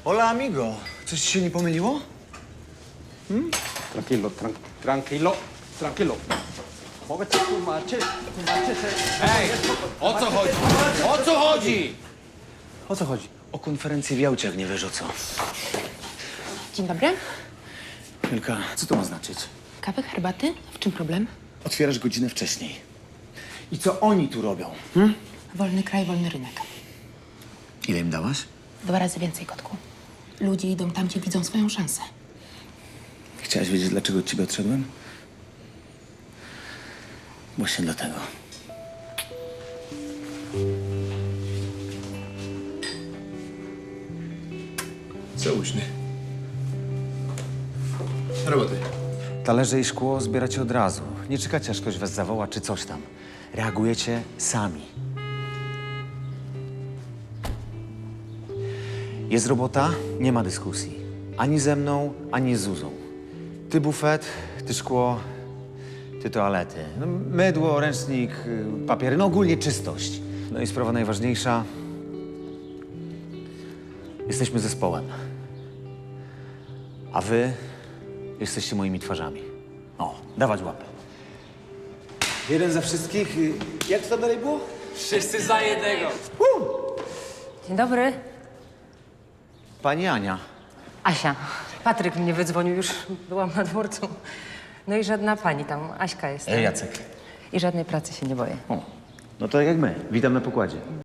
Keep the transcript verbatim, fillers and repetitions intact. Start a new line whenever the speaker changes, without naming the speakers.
Hola, amigo. Coś ci się nie pomyliło?
Tranquilo, tran tranquilo, tranquilo. Mogę cię tłumaczyć, tłumaczyć.
Ej, o co chodzi? O co chodzi?
O co chodzi? O konferencję w Jałcie, jak nie wiesz o co.
Dzień dobry.
Milka, co to ma znaczyć?
Kawy, herbaty? W czym problem?
Otwierasz godzinę wcześniej. I co oni tu robią? Hm?
Wolny kraj, wolny rynek.
Ile im dałaś?
Dwa razy więcej, kotku. Ludzie idą tam, gdzie widzą swoją szansę.
Chciałaś wiedzieć, dlaczego od ciebie odszedłem? Właśnie dlatego.
Całuśny. Roboty.
Talerze i szkło zbieracie od razu. Nie czekacie, aż ktoś was zawoła czy coś tam. Reagujecie sami. Jest robota, nie ma dyskusji. Ani ze mną, ani z Zuzą. Ty bufet, ty szkło, ty toalety. No, mydło, ręcznik, y, papiery, no ogólnie czystość. No i sprawa najważniejsza. Jesteśmy zespołem. A wy jesteście moimi twarzami. O, dawać łapę. Jeden za wszystkich. y, Jak to tam dalej było?
Wszyscy za jednego.
Dzień dobry.
Pani Ania.
Asia. Patryk mnie wydzwonił, już byłam na dworcu. No i żadna pani tam, Aśka jest.
E, Jacek.
I żadnej pracy się nie boję.
O, no to jak my. Witam na pokładzie.